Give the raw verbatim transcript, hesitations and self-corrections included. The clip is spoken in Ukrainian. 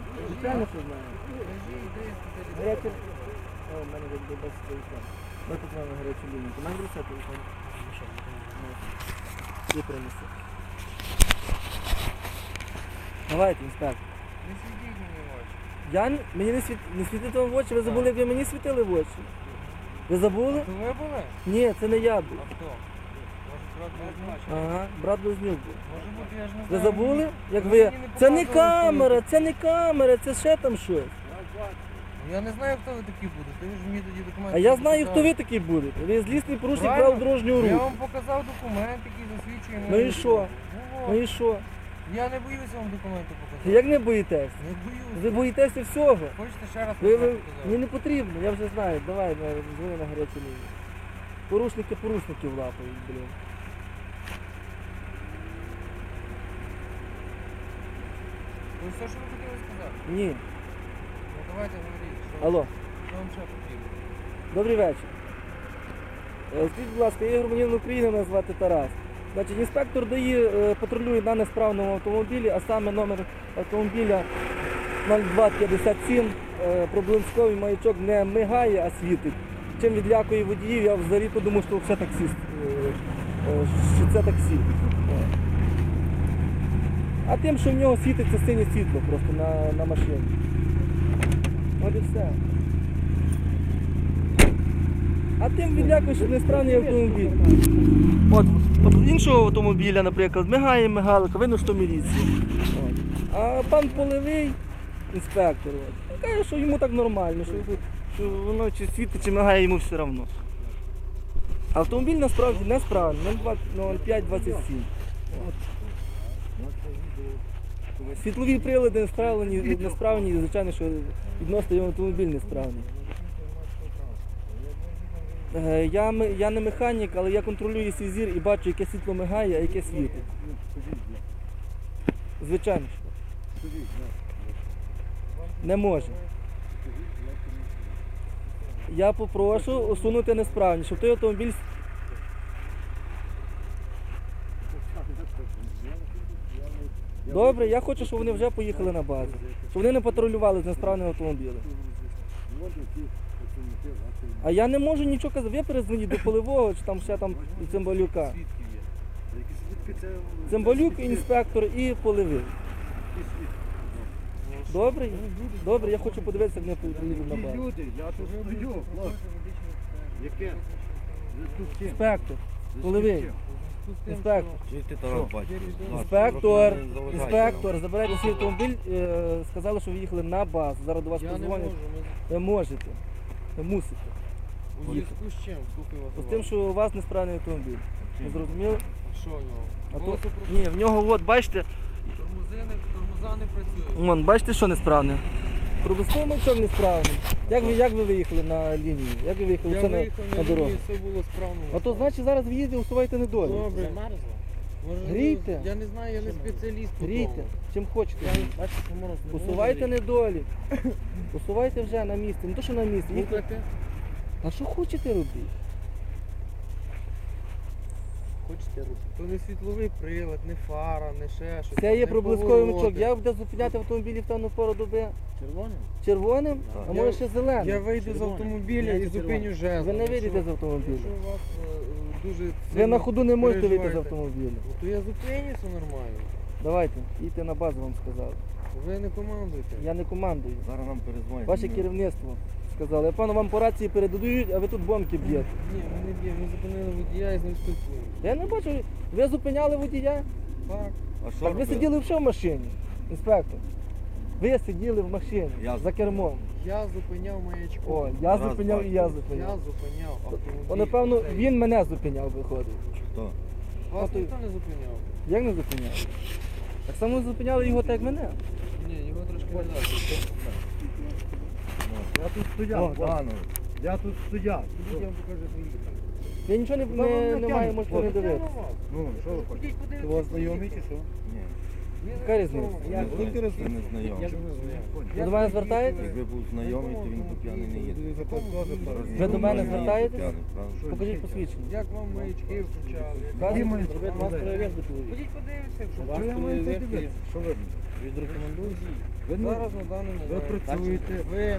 Звичайно, що знаю. Гарячі... О, в мене буде без телефон. Ми тут маємо гарячу лінію. Ти маєш брати телефон? Ти принеси. Давайте, інспектор. Не світіть мені в очі. Я н- мені не, світ... не світити вам в очі, ви забули, як ви мені світили в очі? Ви забули? То ви були? Ні, це не я був. А хто? Може, брат Близнюк? Ага, брат Близнюк був. Може бути, я ж не Ви знаю. забули? Як Ви ви... мені не Це не показували, камера, хто це не камера, це ще там щось. ви. Я не знаю, хто ви такі будете. Ви ж мені тоді документи А я не знаю, хто показали. ви такі будете. Ви злісний порушник Правильно. правил дорожнього Я руху. вам показав документ, який засвідчує Ну мою і що? особу. Ну, Ну от. і що? Я не боюся вам документи показати. Як не боїтесь? Не боюся. Ви боїтеся всього. Хочете ще раз Ви, ви... показати? Мені не потрібно, я вже знаю. Давай, на- дзвони на гарячу лінію. Порушники порушників лапають, блін. Ви все, що ви хотіли сказати? Ні. Ну давайте говоріть, що, Алло, що вам ще потрібно. добрий вечір. Е, Скажіть, будь ласка, я громадянин України, мене звати Тарас. Значить, інспектор ДАІ е, патрулює на несправному автомобілі, а саме номер автомобіля нуль два п'ятдесят сім. Е, Проблисковий маячок не мигає, а світить. Чим відлякує водіїв, я взагалі подумав, що це таксист, е, е, що це таксі. О. А тим, що в нього світиться синє світло просто на, на машині. От і все. А тим відлякує, що несправний автомобіль. От, от у іншого автомобіля, наприклад, мигає мигалка, видно, що міліція. От. А пан Полевий, інспектор, от, каже, що йому так нормально, що, що воно чи світить, чи мигає, йому все одно. Автомобіль насправді несправний, нуль п'ять двадцять сім. От. Світлові прилади несправні, несправні, і звичайно, що відносно його автомобіль несправний. Е, Я, ме- я не механік, але я контролюю свій зір і бачу, яке світло мигає, а яке світить. Звичайно. що. Не може. Я попрошу усунути несправність, щоб той автомобіль... Добре, я хочу, щоб вони вже поїхали на базу. Щоб вони не патрулювали з несправним автомобілем. А я не можу нічого казати. Ви перезвоніть до Полевого, чи там ще там до Цимбалюка. Свідки є. Цимбалюк, інспектор і Полевий. Добре? Добре, я хочу подивитися, як вони поїдуть на базу. Люди, я тут стою, хлопці. Яке? Інспектор, Полевий. Інспектор. Чи ти Тарас бачиш? Інспектор, інспектор, забирайте свій автомобіль, е, сказали, що ви їхали на базу. Зараз до вас Я не можу. подзвонять. Ми Ви можете. Ви мусите. у зв'язку з чим? Слухаю вас. З тим, уважно. що у вас несправний автомобіль. Ви зрозуміли? А що в нього? А то... Голосу про- Ні, в нього, от, бачите, Тормози не, тормоза не працюють. вон, бачите, що несправне? Пробусковий мовчок несправний. Як ви, як ви виїхали на лінію? Як ви виїхали Я це на, виїхав на на дорогу? лінію, все було справно. А то значить зараз в їзді усувайте недолі. Добре. Може, Грійте. Я не знаю, я не спеціаліст по Грійте, тому. чим хочете. Бачите, що мороз не Усувайте може недолі. Усувайте вже на місці. Не то, що на місці. гріти. Їхайте. Слухайте, А що хочете робити? хочете робити. То не світловий прилад, не фара, не ще щось. Це є не проблисковий повороти. мічок. Я буду зупиняти автомобілі в темну пору доби. Червоним? Червоним, а Я- може ще зеленим. Я вийду з Червоний. автомобіля Я і це зупиню червоний. жезл. Ви не Якщо- вийдете з автомобіля. Якщо у вас е, дуже Ви сильно на ходу не можете вийти з переживаєте, автомобіля. ну, то я зупинюся нормально. Давайте, їдьте на базу, вам сказали. Ви не командуйте. Я не командую. Зараз нам перезвонять. Ваше керівництво сказали. Я пану вам по рації передають, а ви тут бомки б'єте. Ні, ми не б'ємо. Ми зупинили водія і з ним спілкуємося. Я не бачу, ви зупиняли водія? Так. А що Так ви робити? сиділи ще в машині, інспектор. Ви сиділи в машині Я- за кермом. Я зупиняв маячком. О, я Раз, зупиняв два, і я Я зупиняв. зупиняв автомобіль. То напевно Цей. він мене зупиняв, виходить. Хто? Вас Ото- ніхто не зупиняв. Як не зупиняв? Так само зупиняли його так, як мене. Ні, його трошки не далі. Я тут О, стояв, так. пане. Я тут стояв. Ідіть, я вам покажу свої. Я нічого не, Та вам не, не не маю, тягне, можете не хлопці. дивитися. Ну, що ви хочете? Ходіть, Це у подивіться. вас знайомі чи що? Ні. Яка різниця? Я Ви великий ви розумію. не знайомі. Ви до мене звертаєтесь? Якби був знайомий, то він би п'яний не їде. Ви до мене Він не їде звертаєтесь? п'яний, правда? Покажіть посвідчення. Як вам маячки включали? Кажуть, маячки? робити вас перевірку. Ходіть подивіться, якщо Що я маю це дивитися? Що ви? Відрекомендую. Ви, не- зараз на даний ви момент. працюєте. Ви